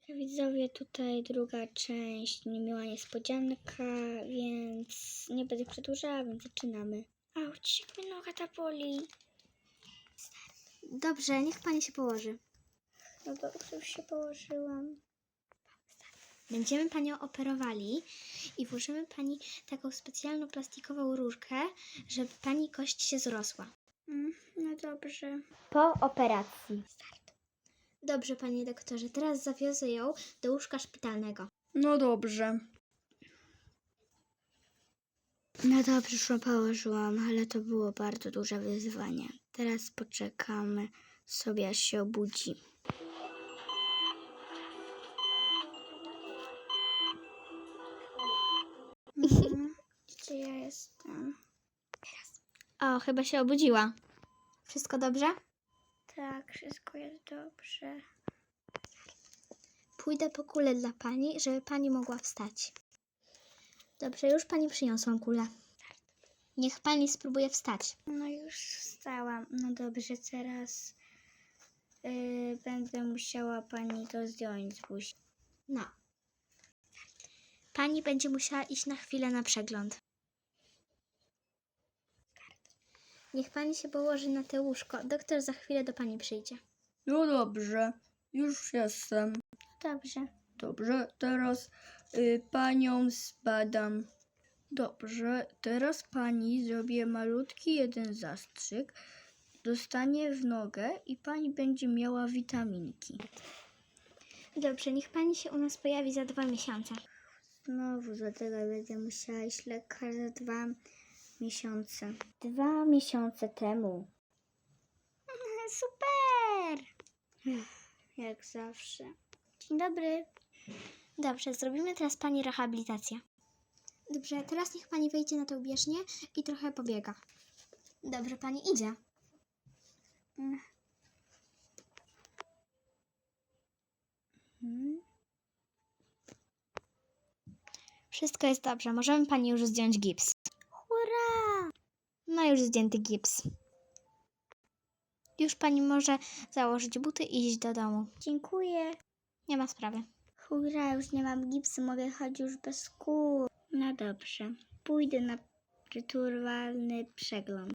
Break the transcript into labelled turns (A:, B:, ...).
A: Widzowie, tutaj druga część, niemiła niespodzianka, więc nie będę przedłużała, więc zaczynamy. Auć, jak mnie noga ta boli.
B: Dobrze, niech pani się położy.
A: No dobrze, już się położyłam.
B: Będziemy panią operowali i włożymy pani taką specjalną plastikową rurkę, żeby pani kość się zrosła.
A: No dobrze.
B: Po operacji. Dobrze, panie doktorze, teraz zawiozę ją do łóżka szpitalnego.
A: No dobrze. No dobrze, już ją położyłam, ale to było bardzo duże wyzwanie. Teraz poczekamy sobie, aż się obudzi. Gdzie ja jestem?
B: O, chyba się obudziła. Wszystko dobrze?
A: Tak, wszystko jest dobrze.
B: Pójdę po kulę dla pani, żeby pani mogła wstać. Dobrze, już pani przyniosłam kulę. Niech pani spróbuje wstać.
A: No już wstałam. No dobrze, teraz będę musiała pani to zdjąć z buzi.
B: No. Pani będzie musiała iść na chwilę na przegląd. Niech pani się położy na te łóżko. Doktor za chwilę do pani przyjdzie.
C: No dobrze, już jestem.
A: Dobrze.
C: Dobrze, teraz panią zbadam. Dobrze, teraz pani zrobię malutki jeden zastrzyk. Dostanie w nogę i pani będzie miała witaminki.
B: Dobrze, niech pani się u nas pojawi za 2 miesiące.
A: Znowu do tego będę musiała iść lekarz za 2 miesiące.
B: 2 miesiące temu.
A: Super! Jak zawsze. Dzień dobry.
B: Dobrze, zrobimy teraz pani rehabilitację. Dobrze, teraz niech pani wejdzie na tę bieżnię i trochę pobiega. Dobrze, pani idzie. Wszystko jest dobrze, możemy pani już zdjąć gips.
A: Hurra!
B: No już zdjęty gips. Już pani może założyć buty i iść do domu.
A: Dziękuję.
B: Nie ma sprawy.
A: Hurra, już nie mam gipsu, mogę chodzić już bez kół. No dobrze. Pójdę na rytualny przegląd.